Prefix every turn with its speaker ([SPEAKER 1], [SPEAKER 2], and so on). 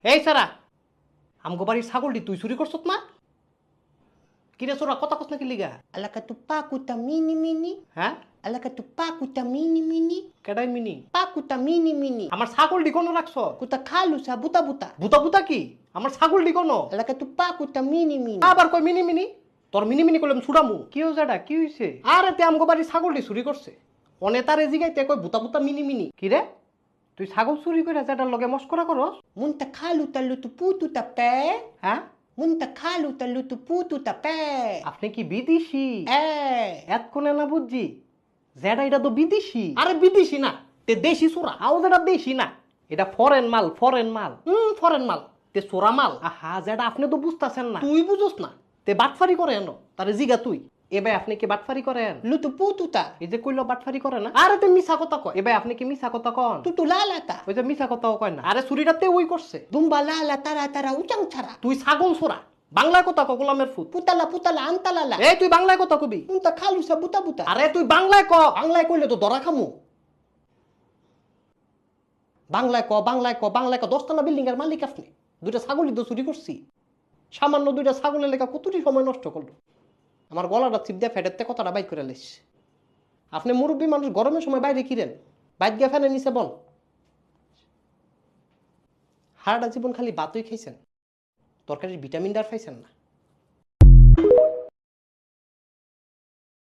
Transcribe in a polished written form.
[SPEAKER 1] এই সারা আমগো বাড়ির ছাগলটি তুই চুরি করছত না? কিরে চোরা কথা কস না কি লিগা?
[SPEAKER 2] Alaka tu pakuta mini mini.
[SPEAKER 1] হ্যাঁ
[SPEAKER 2] Alaka tu pakuta mini mini.
[SPEAKER 1] কেডাই মিনি?
[SPEAKER 2] Pakuta mini mini.
[SPEAKER 1] আমার ছাগলটি কোনো রাখছ?
[SPEAKER 2] Kuta kalu sa buta buta.
[SPEAKER 1] বুতা বুতা কি? আমার ছাগলটি কোনো?
[SPEAKER 2] Alaka tu pakuta mini mini.
[SPEAKER 1] আবার কই মিনি মিনি? তোর মিনি মিনি করলাম ছুড়ামু। কি হইছে এটা? কি হইছে? আরে তে আমগো বাড়ির ছাগলটি চুরি করছে। অনে তারে জিগাইতে কই বুতা বুতা মিনি মিনি। কি রে? তুই ছাগল চুরি করে যেটার লগে মস্করা করস?
[SPEAKER 2] Munta kalu ta lutu putu ta pe.
[SPEAKER 1] হ্যাঁ
[SPEAKER 2] Munta kalu ta lutu putu ta pe.
[SPEAKER 1] আপনি কি বিদেশি? এতক্ষণে না বুঝছি যেটা এটা তো বিদেশি। আরে বিদেশি না, তে দেশি চোরা। আও যেটা দেশি না, এটা ফরেন মাল, ফরেন মাল। ফরেন মাল, তে চোরা মাল। আহা যেটা আপনি তো বুঝতাছেন না। তুই বুঝোস না, তে বাটফারি করে এনো। তারে জিগা তুই এবার আপনি কি বাটফারি করেন?
[SPEAKER 2] Lutu putu ta.
[SPEAKER 1] এই যে কইলো বাটফারি করে না। আরে তে মিছা কথা কয়। এবার আপনি কি মিছা কথা কন?
[SPEAKER 2] Tutu lala ta.
[SPEAKER 1] ওই যে মিছা কথাও কয় না। আরে চুরিটাতে ওই করছে।
[SPEAKER 2] Dumba lala tara tara uchang chara.
[SPEAKER 1] তুই ছাগল চোরা। বাংলায় কথা ক, গোলামের ফুট।
[SPEAKER 2] Putala putala antalala.
[SPEAKER 1] এই তুই বাংলায় কথা কবি।
[SPEAKER 2] Munta kalu sa buta buta.
[SPEAKER 1] আরে তুই বাংলায় ক, বাংলায় কইলে তো ধরা খামু। বাংলায় ক, বাংলায় ক, বাংলায় ক। 10তলা বিল্ডিং এর মালিক আপনি। দুইটা ছাগলই তো চুরি করছি। সামান্য দুইটা ছাগলের লেখা কতটি সময় নষ্ট করলো। আমার গলাটা চিপ দিয়ে ফেটেতে কথাটা বাইক করে লেস। আপনি মুরব্বী মানুষ, গরমের সময় বাইরে কিরেন? বাইক গিয়ে ফ্যানের নিচে বল। সারাটা জীবন খালি ভাতই খাইছেন, তরকারির ভিটামিন ডার পাইছেন না।